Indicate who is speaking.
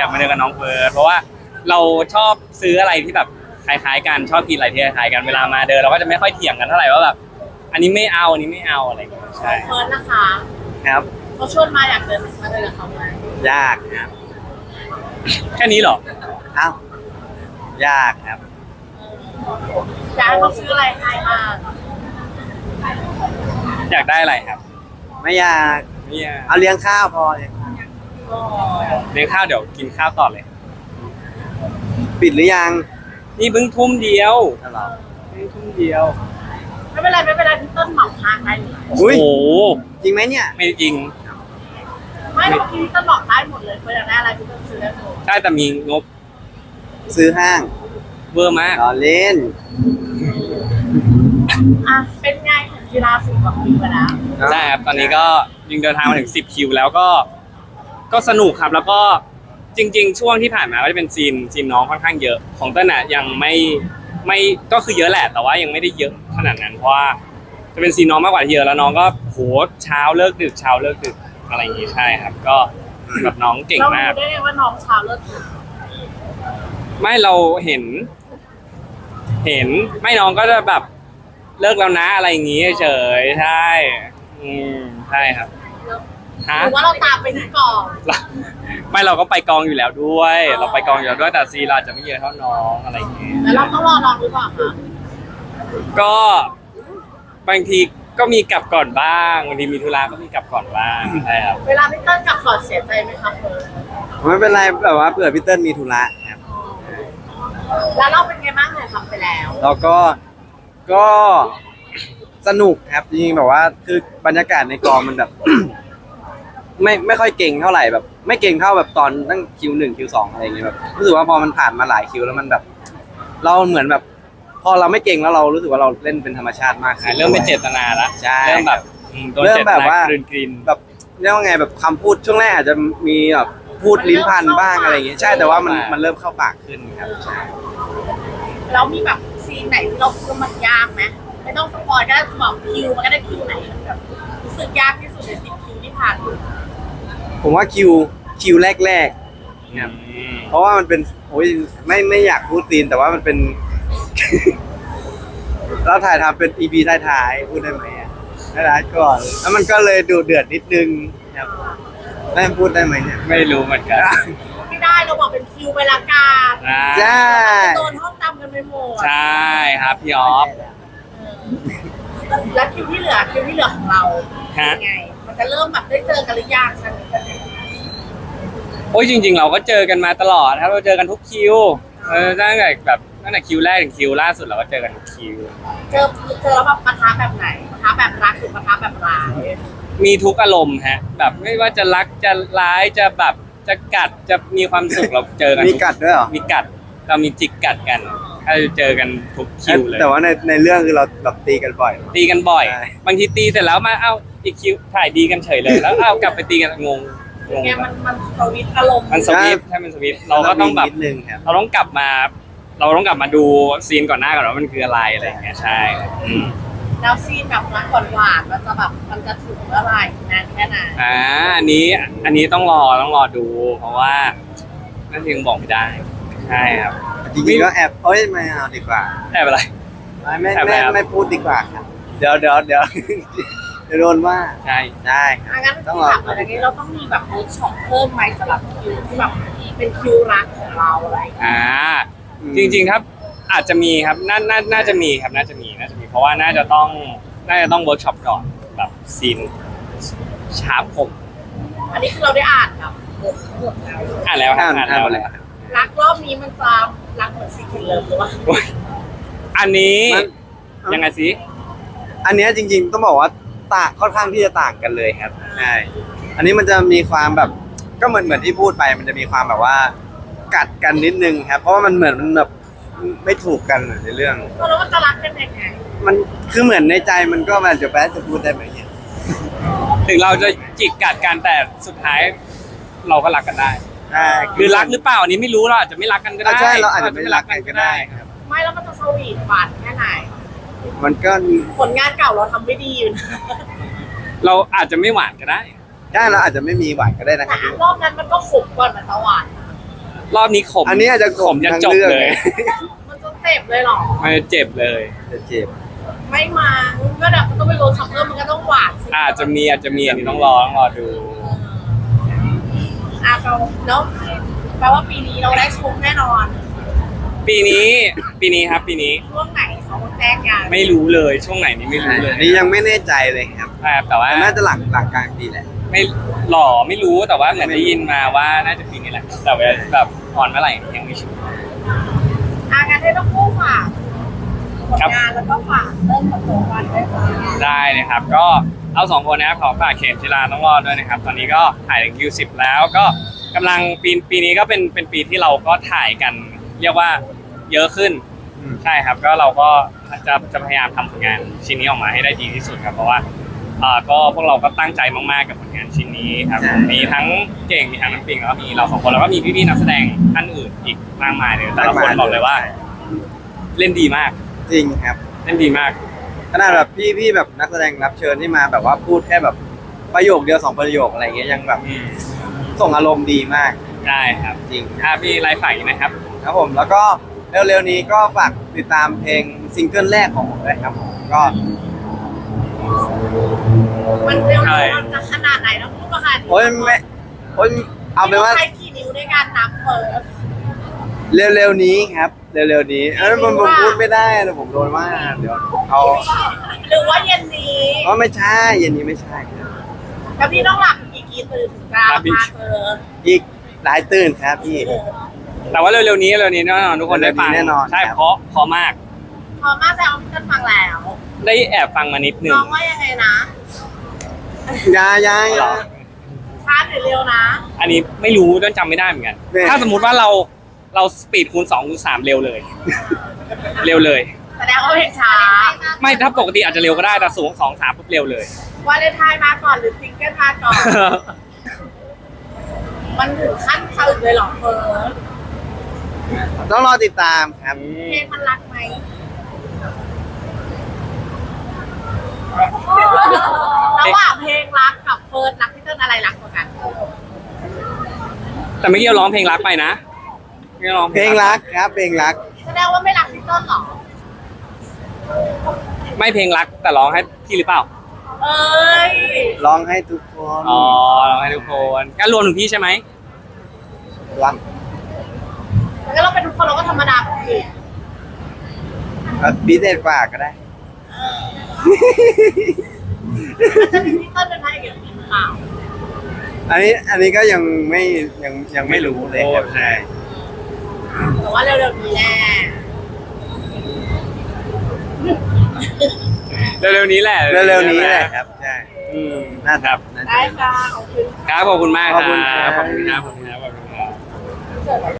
Speaker 1: มาเดินกับน้องเฟิร์สเพราะว่าเราชอบซื้ออะไรที่แบบคล้ายๆกันชอบกินอะไรที่คล้ายๆกันเวลามาเดินเราก็จะไม่ค่อยเถียงกันเท่าไหร่ว่าแบบอันนี้ไม่เอาอันนี้ไม่เอาอะไรอย่างเงี้ยใช่
Speaker 2: เฟิร์สนะคะ
Speaker 3: ครับ
Speaker 2: เขาชวนมาอยากเดินมาเดินกับเขาไหม
Speaker 3: ยากครับ
Speaker 1: แค่นี้เหรอ
Speaker 3: อ้าว ยากครับ
Speaker 2: อยากให้เขาซื้ออะไรให้บ้าง
Speaker 1: อยากได้อะไรครับ
Speaker 3: ไม่อยาก
Speaker 1: เนี่ย
Speaker 3: เอาเลี้ยงข้าวพอเลย
Speaker 2: อ๋อ
Speaker 1: เลี้ยงข้าวเดี๋ยวกินข้าวต่อเลย
Speaker 3: ปิดหรือยัง
Speaker 1: นี่เพิ่งทุ่มเดียว
Speaker 3: ตลอด
Speaker 1: เพิ่งทุ่มเดียว
Speaker 2: ไม่เป็นไรพี่ต้นเหมาทางได้เลย
Speaker 1: โอ้โห
Speaker 3: จริงไหมเนี่ย
Speaker 1: ไม่จริง
Speaker 2: ไม่เมื่อกี้พี่ต้นบอกได้หมดเลยเฟิร์สอยากได้อะไรพี่ต้นซื้อได้หมด
Speaker 1: ใช่แต่มีงบ
Speaker 3: ซื้อห้าง
Speaker 1: เวอร์มาก
Speaker 3: รอเล่น
Speaker 2: อ่ะเป็นไงของกีฬา10 กว่าปีมาแล้ว
Speaker 1: ใช่ครับตอนนี้ก็ยิงเดินทางมาถึง10คิวแล้วก็สนุกครับแล้วก็จริงๆช่วงที่ผ่านมาก็จะเป็นซีนน้องค่อนข้างเยอะของเต้นอะยังไม่ก็คือเยอะแหละแต่ว่ายังไม่ได้เยอะขนาดนั้นเพราะว่าจะเป็นซีนน้องมากกว่าที่เยอะแล้วน้องก็โหเช้าเลิกดึกอะไรอย่างงี้ใช่ครับ ก็แบบน้องเก่ง
Speaker 2: เรา
Speaker 1: มาก
Speaker 2: รู้ได้ไงว่าน้องเช้าเลิกดึก
Speaker 1: ไม่เราเห็นไม่น้องก็จะแบบเลิกแล้วนะอะไรอย่างงี้เฉยๆใช่ใช่ครับฮะ
Speaker 2: หรือว่าเราตามไปที่กอง
Speaker 1: ไม่เราก็ไปกองอยู่แล้วด้วย เราไปกองอยู่แล้วด้วยแต่ซีเราจะไม่เยอะเท่าน้องอะไรอย่างงี้
Speaker 2: แล้วเราต้องรอน้องหรือเปล่าคะ
Speaker 1: ก็บางทีก็มีกลับก่อนบ้างบางทีมีธุระก็มีกลับก่อนบ้างใช่ครับ
Speaker 2: เวลาพี่ต้นกลับก่อนเสียใจไหมคะเฟิร์ส
Speaker 3: ไม่เป็นไรแบบว่าเผื่อพี่เติ้ลมีธุระครับ
Speaker 2: แล้วเราเป็นไงบ้างเนี่ยทำไปแล้ว
Speaker 3: แล้วก็สนุกครับจริงๆแบบว่าคือบรรยากาศในกองมันแบบ ไม่ค่อยเก่งเท่าไหร่แบบ ไม่เก่งเท่าแบบตอนตั้งคิว 1 คิว 2อะไรอย่างเงี้ยแบบรู้สึกว่าพอมันผ่านมาหลายคิวแล้วมันแบบ เราเหมือนแบบ พอเราไม่เก่งแล้วเรารู้สึกว่าเราเล่นเป็นธรรมชาติมากขึ้น
Speaker 1: เริ่มเป็นเจตนาละ
Speaker 3: ใช่
Speaker 1: เริ่มแบบโดน
Speaker 3: เริ่
Speaker 1: เจ
Speaker 3: ม
Speaker 1: ต
Speaker 3: แบบ
Speaker 1: นา
Speaker 3: ว่า
Speaker 1: กลืน
Speaker 3: แบบเรียกว่าไงแบบคำพูดช่วงแรกอาจจะมีแบบพูดลิ้นพันบ้างอะไรอย่างเงี้ยใช่แต่ว่ามันเริ่มเข้าปากขึ้นครับใช่
Speaker 2: แล้วมีแบบซีนไหนที่เราคิดว่ามันยากไหมไม่ต้องสปอยก็ได้บอกคิวมันก็ได้คิวไหนมันแบบรู้สึกยากที่สุดใน10 คิวที่ผ่านมา
Speaker 3: ผมว่าคิวแรกๆครับ เพราะว่ามันเป็นโอ้ยไม่อยากพูดซีนแต่ว่ามันเป็น เราถ่ายทำเป็น EP ท้ายๆพูดได้ไหมอ่ะท้ายๆก่อน แล้วมันก็เลยดูเดือดนิดนึงครับได้พูดได้ไหมเนี่ย
Speaker 1: ไม่รู้เหมือนกัน
Speaker 2: ไม่ได้เราบอกเป็นคิวไปละกัน
Speaker 3: ใช่
Speaker 2: โดนห้องตำกันไปหมด
Speaker 1: ใช่ครับพี่ออฟ
Speaker 2: แล้วคิวที่เหลือของเรา
Speaker 1: ฮะ
Speaker 2: เป็นไง มันจะเริ่มแบบได้เจอกันหรือยังฉันจะ
Speaker 1: โอ้ยจริงๆเราก็เจอกันมาตลอดครับเราเจอกันทุกคิวตั้งแต่คิวแรกถึงคิวล่าสุดเราก็เจอกันทุกคิว
Speaker 2: เจอแล้วแบบปะทะแบบไหนปะทะแบบรักหรือปะทะแบบร้าย
Speaker 1: มีทุกอารมณ์ฮะแบบไม่ว่าจะรักจะร้ายจะแบบจะกัดจะมีความสุขเราเจอกัน
Speaker 3: มีกัดด้วยเหรอ
Speaker 1: มีกัดเรามีจิกกัดกันถ้าเจอกันทุกคิวเลย
Speaker 3: แต่ว่าในเรื่องคือเราแบบตีกันบ่อย
Speaker 1: ตีกันบ่อย
Speaker 3: ใช่
Speaker 1: บางทีตีเสร็จแล้วมาเอ้าอีกคิวถ่ายดีกันเฉยเลยแล้วเอ้ากลับไปตีกันงง
Speaker 2: เนี่ยมันสวิตช์อารมณ์
Speaker 1: มันสวิตช์ใช่มันสวิตช์เราก็ต้องแบบ
Speaker 3: นิดนึงครับ
Speaker 1: เราต้องกลับมาดูซีนก่อนหน้าก่อนว่ามันคืออะไรอะไรอย่างเงี้ยใช่อืม
Speaker 2: แล้วซีนแบบรักหวานๆมันจะแบบมันจะถึงเมื่อไหร่นานแค่ไหน
Speaker 1: อันนี้ต้องรอดู เพราะว่านั่นยังบอกไม่ได้ใช่ครับ
Speaker 3: จริงๆก็แอบเอ้ยไม่เอาดีกว่า
Speaker 1: แอบอะไร
Speaker 3: ไม่
Speaker 1: แอบอะไรครับ
Speaker 3: ไม่พูดดีกว่าครับเดี๋ยว จะโดนว่า
Speaker 1: ใช่
Speaker 3: ได้ค
Speaker 2: อ่ะ
Speaker 3: รับ
Speaker 2: งั้น
Speaker 3: ต้อง
Speaker 2: ที่
Speaker 3: รอ
Speaker 2: ถามอะไรนี้เราต้องมีแบบเวิร์กช็อปเพิ่มไหมสำหรับคิวที่แบบเป็นคิวรักของเราอะไรอย่างเงี้ย
Speaker 1: จริงๆครับอาจจะมีครับน่าจะมีครับน่าจะมีเพราะว่าน่าจะต้องเวิร์กช็อปก่อนแบบซีนชาร์ปผม
Speaker 2: อันนี้คือเราได้อ่านแบบบททั้งหมดแล้ว
Speaker 1: อ่านแล้วครับ
Speaker 3: อ่านหมดแล้ว
Speaker 2: รักรอบนี้มันจะรักเหมือนซีคินเลิฟหรือเปล่า
Speaker 1: โอ้ยอันนี้
Speaker 3: มัน
Speaker 1: ยังไงสิ
Speaker 3: อันเนี้ยจริงๆต้องบอกว่าค่อนข้างที่จะต่างกันเลยครับใช่อันนี้มันจะมีความแบบก็เหมือนที่พูดไปมันจะมีความแบบว่า กัดกันนิดนึงครับ เพราะว่ามันเหมือนมันแบบไม่ถูกกันในเรื่อง
Speaker 2: แล้วมันจะรักกันยังไง
Speaker 3: มันคือเหมือนในใจมันก็มันจะพูดได้ไหมเนี่ย
Speaker 1: ถึงเราจะจิกกัดกันแต่สุดท้ายเราก็รักกันได้
Speaker 3: ใช่
Speaker 1: คือรักหรือเปล่าอันนี้ไม่รู้เราอาจจะไม่รักกันก็ได้
Speaker 3: ใช่เราอาจจะไม่รักกันก็ได้ครับ
Speaker 2: ไม่แล้วมันจะสวีทหวานแค่ไหน
Speaker 3: มันก็
Speaker 2: ผลงานเก่าเราทำไม่ดีอยู่นะ
Speaker 1: เราอาจจะไม่หวานก็ได้
Speaker 3: ใช่เราอาจจะไม่มีหวานก็ได้นะค
Speaker 2: แต่
Speaker 3: รับ
Speaker 2: รอบนั้นมันก็ขมก่อนมันจะหวาน
Speaker 1: รอบนี้ขม
Speaker 3: อันนี้อาจจะขม
Speaker 1: จะ
Speaker 3: ทั้ง
Speaker 1: จบ
Speaker 3: เรื่อง
Speaker 1: เลย
Speaker 2: มันจะเจ็บเลยเหรอ
Speaker 1: มันจะเจ็บเลย
Speaker 3: จะเจ็บ
Speaker 2: ไม่มาก็เดี๋ยวมันต้องไปโรลช็อกเกอร์มันก็ต้องหวานสิ
Speaker 1: อาจจะมีอันนี้ต้องรอดู
Speaker 2: เราแล้วแปลว่าปีนี้เราได้ชมแน่นอน
Speaker 1: ปีนี้ครับ ปีนี้
Speaker 2: ช่วงไหนเขาแจ้งกัน
Speaker 1: ไม่รู้เลยช่วงไหนนี้ไม่รู้เลย
Speaker 3: อันนี้ยังไม่แน่ใจเลยครับ
Speaker 1: ใช่ครับแต่ว่า
Speaker 3: น่าจะหลังกลางปีแหละ
Speaker 1: ไม่ไม่รู้แต่ว่าเหมือนได้ยินมาว่าน่าจะปีนี้แหละแต่ว่าแบบออนเมื่อไหร่ยังไม่ชัวร์
Speaker 2: งานให้ต้องคู่ฝากผล
Speaker 1: ครับ
Speaker 2: งานแล้วก็ฝากเรื่องของตัววันด้วยค่ะ
Speaker 1: ได้นะครับ ก็เอาสองคนนะครับขอฝากเข็มจิราต้องรอดด้วยนะครับ ตอนนี้ก็ถ่ายถึงคิว10แล้วก็กำลังปีนี้ก็เป็นปีที่เราก็ถ่ายกัน เรียกว่าเยอะขึ้น
Speaker 3: อืม
Speaker 1: ใช่ครับก็เราก็จะพยายามทำผลงานชิ้นนี้ออกมาให้ได้ดีที่สุดครับเพราะว่าก็พวกเราก็ตั้งใจมากๆกับผลงานชิ้นนี้ครับมีทั้งเก่งมีทั้งน้ำปิงแล้วก็มีเราสองคนแล้วก็มีพี่ๆนักแสดงท่านอื่นอีกมากมายเลยแต่ละคนบอกเลยว่า เล่นดีมาก
Speaker 3: จริงครับ
Speaker 1: เล่นดีมาก
Speaker 3: ขนาดแบบพี่แบบนักแสดงรับเชิญที่มาแบบว่าพูดแค่แบบประโยคเดียว2ประโยคอะไรเงี้ยยังแบบส่งอารมณ์ดีมาก
Speaker 1: ได้ครับ
Speaker 3: จริง
Speaker 1: ถ้ามีไลฟ์ฝากอีกนะครับ
Speaker 3: ครับผมแล้วก็เร็วๆนี้ก็ฝากติดตามเพลงซิงเกิลแรกของผมด้วยครับผมก็
Speaker 2: มันเร็ว
Speaker 1: ใช่
Speaker 2: มันจะขนาดไหนต้องพูดมาขนาดนี้
Speaker 3: โอ้ยไม่โอ้ยเอาเป็นว่า
Speaker 2: ใช้กี่นิ้วในการนับเฟิร์ส
Speaker 3: เร็วๆนี้ครับเร็วๆนี้ผมพูดไม่ได้นะผมโดนว่าเดี๋ยวเอา
Speaker 2: หรือว่าเย็นนี้
Speaker 3: ว่าไม่ใช่เย็นนี้ไม่ใช่ครับ
Speaker 2: แล้วพี่ต้องหลับอีกกี่ตื่นถึงจะมาเจอ
Speaker 3: อีกหลายตื่นครับพี่
Speaker 1: แต่ว่าเร็วๆนี้แน่นอนทุกคนได้ฟัง
Speaker 3: เร็วๆนี้แน่นอน
Speaker 1: ใช่
Speaker 3: ครับ
Speaker 1: เพราะมาก
Speaker 2: พอมาแซวพี่ต้นฟังแล้ว
Speaker 1: ได้แอบฟังมานิดนึง
Speaker 2: น้องว่ายังไงนะ
Speaker 3: ยา
Speaker 1: เหรอ
Speaker 2: ช้าหรือเร็วนะ
Speaker 1: อันนี้ไม่รู้ต้นจำไม่ได้เหมือนกัน
Speaker 3: เนี่ย
Speaker 1: ถ้าสมมุติว่าเราสปีดคูณ2คูณ3เร็วเลย เร็วเลย
Speaker 2: แสดงว่าเพลงช้า
Speaker 1: ไม่ถ้าปกติอาจจะเร็วก็ได้แต่สูง2 3ปุ๊บเร็วเลย
Speaker 2: วาเลนไทน์มาก่อนหรือซิงเกิลมาก่อน มันถึงขั้นสะอึกเลยเหรอเฟิร์ส
Speaker 3: ต้องรอติดตามครับ
Speaker 2: เพลงมันรักไหมระหว่างเพลงรักกับเฟิร์สรักพี่เติ้ลอะไรรักกว่ากัน
Speaker 1: แต่เมื่อกี้เราร้องเพลงรักไปนะไม่ได้ร้อง
Speaker 3: เพลงรักครับเพลงรัก
Speaker 2: แสดงว่าไม่รักพี่เติ้ลเหรอ
Speaker 1: ไม่เพลงรักแต่ร้องให้พี่หรือเปล่า
Speaker 2: เอ้ย
Speaker 3: ร้องให้ทุกคน
Speaker 1: อ๋อร้องให้ทุกคนงั้นรวมถึงพี่ใช่ไหม
Speaker 3: รัก
Speaker 2: แล้วเราเป็นทุกคนเราก็ธรรมดาปกติ
Speaker 3: พิเศษกว่าก็ได้
Speaker 2: มันจะมีพี่เติ้ลเป็นพระเอกอย่างนี้หรือเปล่า
Speaker 3: อันนี้ก็ยังไม่รู้เลยครับใช่
Speaker 2: แต่ว่าเร็วๆนี้แน่
Speaker 1: เร็วๆนี้แหละ
Speaker 3: เร็วๆนี้แหละครับใช่
Speaker 1: อืม
Speaker 3: น่า
Speaker 1: ครับ
Speaker 3: น่าจะ
Speaker 2: ได้ค่ะขอบคุณ
Speaker 1: ครับขอบคุณมาก
Speaker 3: ขอบคุณครับ
Speaker 1: ขอบคุณครับขอบคุณครับขอบคุณครับ
Speaker 2: เสิร์ฟ